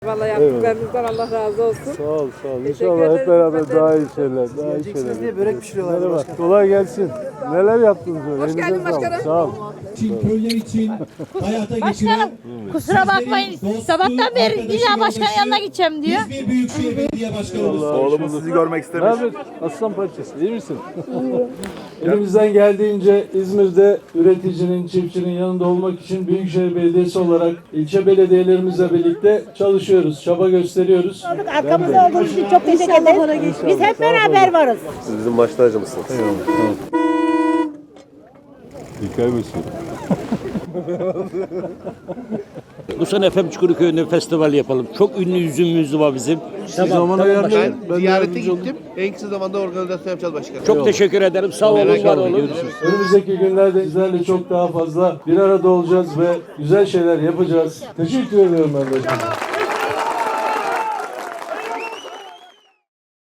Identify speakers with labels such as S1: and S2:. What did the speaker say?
S1: Vallahi yaptıklarınızdan Allah razı olsun.
S2: Sağ ol, sağ ol.
S1: Teşekkür
S2: İnşallah hep
S1: ederiz.
S2: beraber daha iyi şeyler, daha iyi şeyler.
S3: Diye börek pişiriyorlar.
S2: Merhaba, kolay gelsin. Neler yaptınız böyle?
S1: Hoş
S2: Elinize
S1: geldin
S2: sağlık.
S1: başkanım.
S2: Sağ ol.
S4: Köyler için hayata geçiren
S5: Başkanım kusura bakmayın. Sabahtan beri illa başkanın yanına gideceğim diyor.
S4: İzmir Büyükşehir Belediye Başkanımız.
S6: Oğlumuz sizi görmek
S2: Ne
S6: istemiş.
S2: haber? Aslan parçası, iyi misin? Elimizden geldiğince İzmir'de üreticinin, çiftçinin yanında olmak için Büyükşehir Belediyesi olarak ilçe belediyelerimizle birlikte çalışıyoruz, çaba gösteriyoruz.
S5: Arkamızda olduğunuz için çok teşekkür ederiz. Biz hep beraber varız.
S6: Siz bizim baş tacımızsınız.
S2: Hikaye başı.
S7: Bu sene Efem Çukurköy'ünde festival yapalım. Çok ünlü yüzümüz var bizim.
S2: Zaman ayarlayın.
S6: Ben ziyarete gittim. En kısa zamanda organizasyon yapacağız başkanım.
S7: Çok teşekkür ederim. Sağ olun, var olun.
S2: Önümüzdeki günlerde sizlerle çok daha fazla bir arada olacağız ve güzel şeyler yapacağız. Teşekkür ediyorum ben de.